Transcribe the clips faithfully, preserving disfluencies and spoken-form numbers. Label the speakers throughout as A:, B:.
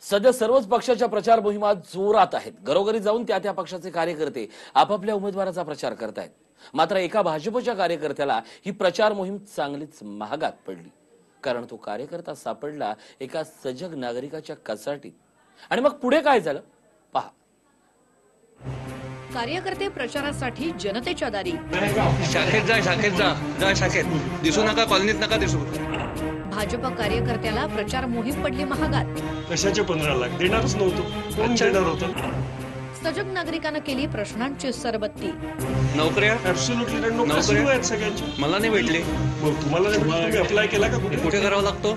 A: सध्या सर्वच पक्षाच्या प्रचार मोहिमा जोरात आहेत। घरोघरी जाऊन त्या त्या पक्षाचे कार्यकर्ते आपापल्या उमेदवाराचा प्रचार करतायत। मात्र एका भाजपच्या कार्यकर्त्याला ही प्रचार मोहीम चांगलीच महागात पडली, कारण तो कार्यकर्ता सापडला एका सजग नागरिकाच्या कचाटीत। आणि मग पुढे काय झालं पहा।
B: कार्यकर्ते प्रचारासाठी जनतेच्या दारी,
C: शाखेत जा शाखेत जा जा शाखेत दिसू नका, कॉलनीत नका दिसू।
B: भाजप कार्यकर्त्याला प्रचार मोहीम पडली महागात।
D: कशाचे पंधरा लाख देणारच नव्हतो, कोण देणार होतं?
B: सजग नागरिकांना केली प्रश्नांची सरबत्ती।
C: नोकऱ्या
D: ऍब्सोल्युटली नोकऱ्या सुरू आहेत सगळ्यांच्या।
C: मला नाही भेटली,
D: मग तुम्हाला नाही भेटली, तुम्ही अप्लाय केला का? कुठे
C: कुठे करावा लागतो?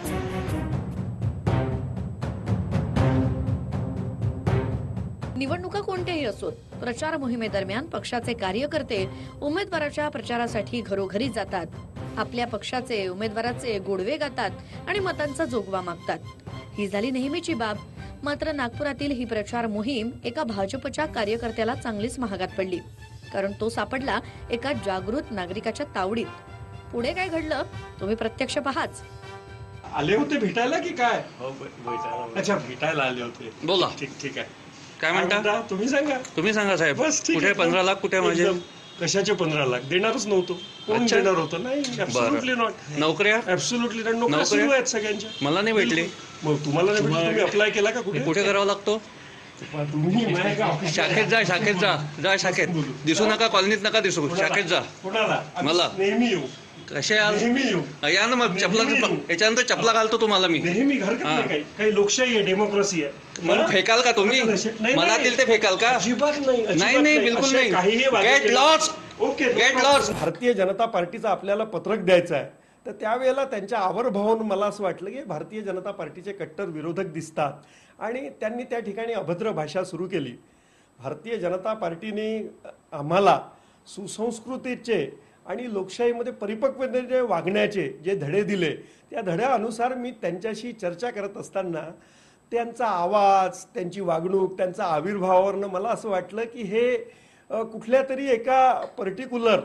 B: निवडणुका कोणत्याही असोत, प्रचार मोहिमेदरम्यान पक्षाचे कार्यकर्ते उमेदवाराच्या प्रचारासाठी घरोघरी जातात, आपल्या पक्षाचे उमेदवाराचे गोडवे गातात आणि मतांचा जोगवा मागतात। ही झाली नेहमीची बाब। मात्र नागपुरातील ही प्रचार मोहीम एका भाजपच्या कार्यकर्त्याला चांगलीच महागात पडली, कारण तो सापडला एका जागृत नागरिकाच्या तावडीत। पुढे काय घडलं तुम्ही प्रत्यक्ष पहाच।
D: आले होते भेटायला की काय? अच्छा, भेटायला आले होते।
C: बोला।
D: ठीक ठीक आहे,
C: काय म्हणता?
D: तुम्ही सांगा
C: तुम्ही सांगा साहेब।
D: बस ठीक
C: कुठे
D: आहे।
C: पंधरा लाख कुठे माझे?
D: कशाचे पंधरा लाख देणारच नव्हतो, कोण
C: अच्छा।
D: देणार होतं? नाही, ऍब्सोल्युटली नॉट।
C: नोकऱ्या
D: ऍब्सोल्युटली नोकऱ्या सुरू आहेत सगळ्यांच्या।
C: मला नाही भेटली,
D: मग तुम्हाला नाही भेटली, तुम्ही अप्लाय केला का? कुठे
C: कुठे करावा लागतो?
D: तुम्ही
C: शाखेत जा शाखेत जा जा शाखेत दिसू नका, कॉलनीत नका दिसू। शाखेत जा।
D: कोणाला?
C: मला।
D: नेहमी येऊ,
C: कसे आल?
D: नेहमी येऊ,
C: या ना मग चपला, याच्यानंतर चपला घालतो तुम्हाला मी।
D: नेहमी घर
C: हा.
D: काही काही लोकशाही आहे, डेमोक्रेसी आहे।
C: मग फेकाल का तुम्ही?
D: नाही,
C: मनातील ते फेकाल का?
D: अजिबात नाही, अजिबात
C: नाही नाही बिलकुल
D: असे काहीही
C: नाही।
D: वादे
C: गेट
D: केले-
C: लॉस्ट,
D: ओके,
C: गेट लॉस्ट।
E: भारतीय जनता पार्टीचं आपल्याला पत्रक द्यायचं आहे, तर त्यावेळेला त्यांच्या आवर्भावून मला असं वाटलं की भारतीय जनता पार्टीचे कट्टर विरोधक दिसतात आणि त्यांनी त्या ठिकाणी अभद्र भाषा सुरू केली। भारतीय जनता पार्टीने आम्हाला सुसंस्कृतीचे आणि लोकशाहीमध्ये परिपक्वतेने वागण्याचे जे धडे दिले, त्या धड्यानुसार मी त्यांच्याशी चर्चा करत असताना त्यांचा आवाज, त्यांची वागणूक, त्यांचा आविर्भावावरनं मला असं वाटलं की हे कुठल्या तरी एका पर्टिक्युलर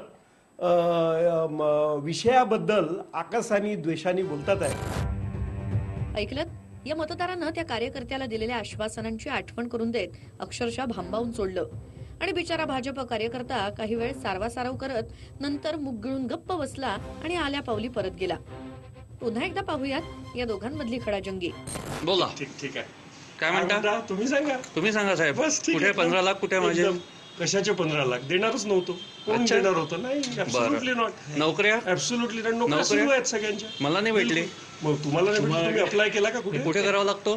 E: विषयाबद्दल आकाशाने द्वेषाने बोलतात आहे।
B: ऐकलं? या मतदारांना त्या कार्यकर्त्याला दिलेल्या आश्वासनांची आठवण करून देत अक्षरशः भांबावून सोडलं आणि बिचारा भाजप कार्यकर्ता काही वेळ सारवासारव करत नंतर मुग गिळून गप्प बसला आणि आल्या पावली परत गेला। पुन्हा एकदा पाहूयात या दोघांमधली खडाजंगी।
C: बोला।
D: ठीक ठीक आहे,
C: काय म्हणता?
D: तुम्ही सांगा
C: तुम्ही सांगा साहेब।
D: बस ठीक
C: कुठे
D: आहे।
C: पंधरा लाख कुठे माझे?
D: एकदम. कशाचे पंधरा लाख देणारच नव्हतो, कोण
C: अच्छा।
D: देणार होतं? नाही, ऍब्सोल्युटली नॉट।
C: नोकऱ्या
D: ऍब्सोल्युटली नोकऱ्या
C: नोकऱ्या
D: सुरू आहेत सगळ्यांच्या।
C: मला नाही भेटली,
D: मग तुम्हाला नाही भेटली, तुम्ही अप्लाय केला का? कुठे
C: कुठे करावा लागतो?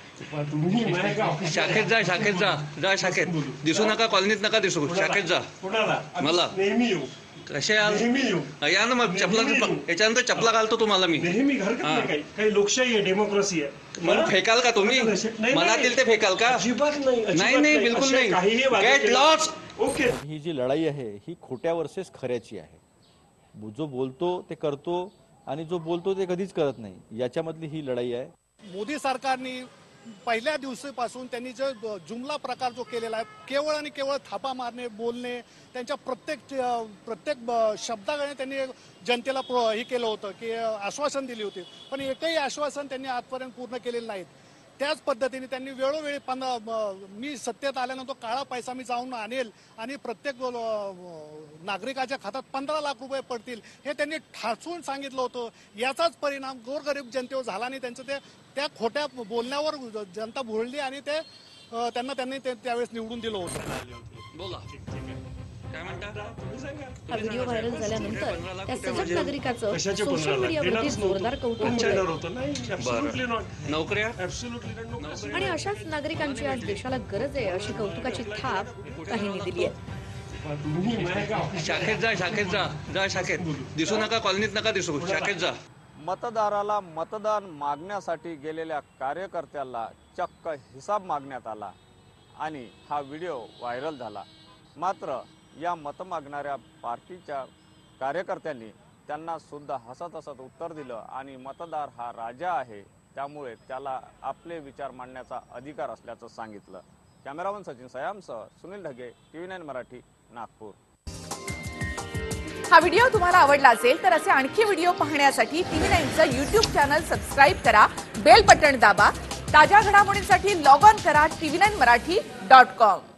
D: तुम्ही
C: शाखेत जा शाखेत जा जा शाखेत दिसू नका, कॉलनीत नका दिसू। शाखेत जा।
D: कोणाला?
C: मला।
D: नेहमी येऊ,
C: कसे आल?
D: नेहमी येऊ,
C: या ना मग चपला, याच्यानंतर चपला घालतो तुम्हाला मी।
D: नेहमी घर काही काही लोकशाही आहे, डेमोक्रेसी आहे।
C: मग फेकाल का तुम्ही?
D: नाही,
C: मनातील ते फेकाल का?
D: अजिबात नाही, अजिबात
C: नाही नाही बिलकुल
D: असे
C: नाही।
D: काहीही वादे
C: गेट
D: केले-
C: लॉस्ट।
D: ओके।
F: ही जी लढाई आहे ही खोट्या वर्सेस खऱ्याची आहे। जो बोलतो ते करतो आणि जो बोलतो ते कधीच करत नाही, याच्यामधली ही लढाई आहे।
G: मोदी सरकारने पहिल्या दिवसापासून त्यांनी जो जुमला प्रकार जो केलेला आहे, केवळ आणि केवळ थापा मारणे, बोलणे, त्यांच्या प्रत्येक प्रत्येक शब्दाकडे त्यांनी जनतेला हे केलं होतं की आश्वासन दिली होती, पण एकही आश्वासन त्यांनी आजपर्यंत पूर्ण केलेलं नाहीत। त्याच पद्धतीने त्यांनी वेळोवेळी पंधरा मी सत्तेत आल्यानंतर काळा पैसा मी जाऊन आणेल आणि प्रत्येक नागरिकाच्या खात्यात पंधरा लाख रुपये पडतील, हे त्यांनी ठासून सांगितलं होतं। याचाच परिणाम गोरगरीब जनतेवर झाला आणि त्यांचं ते त्या खोट्या बोलण्यावर जनता भुळली आणि ते त्यांना त्यांनी त्यावेळेस निवडून दिलं होतं।
C: बोला। काय म्हणता?
D: तुम्ही सांगा
B: हा व्हिडिओ व्हायरल झाल्यानंतर त्या सजग नागरिकाचं
D: कशाचे
B: सोशल
D: पंधरा लाख
B: मीडियावरती
D: देणारच
B: जोरदार
D: नव्हतो,
B: कौतुक
D: कोण देणार
B: होतंय।
D: होतं? नाही, ऍब्सोल्युटली नॉट।
C: नोकऱ्या
D: ऍब्सोल्युटली नोकऱ्या
B: आणि अशाच नागरिकांची आज देशाला गरज आहे अशी कौतुकाची थाप काहींनी दिली आहे।
C: शाखेत जा शाखेत जा जा शाखेत दिसू नका, कॉलनीत नका दिसू। शाखेत जा।
F: मतदाराला मतदान मागण्यासाठी गेलेल्या कार्यकर्त्याला चक्क हिसाब मागण्यात आला आणि हा व्हिडिओ व्हायरल झाला। मात्र या मत मागणाऱ्या पार्टीच्या कार्यकर्त्यांनी त्यांना सुद्धा हसत हसत उत्तर दिलं आणि मतदार हा राजा आहे, त्यामुळे त्याला आपले विचार मांडण्याचा अधिकार असल्याचं सांगितलं। कॅमेरामन सचिन सयामसह सुनील ढगे, टीव्ही नाईन मराठी, नागपूर।
H: हा व्हिडिओ तुम्हाला आवडला असेल तर असे आणखी व्हिडिओ पाहण्यासाठी टीव्ही नाईनचं यूट्यूब चॅनल सबस्क्राईब करा, बेल बटन दाबा ताज्या घडामोडींसाठी लॉग ऑन करा TV nine Marathi dot com.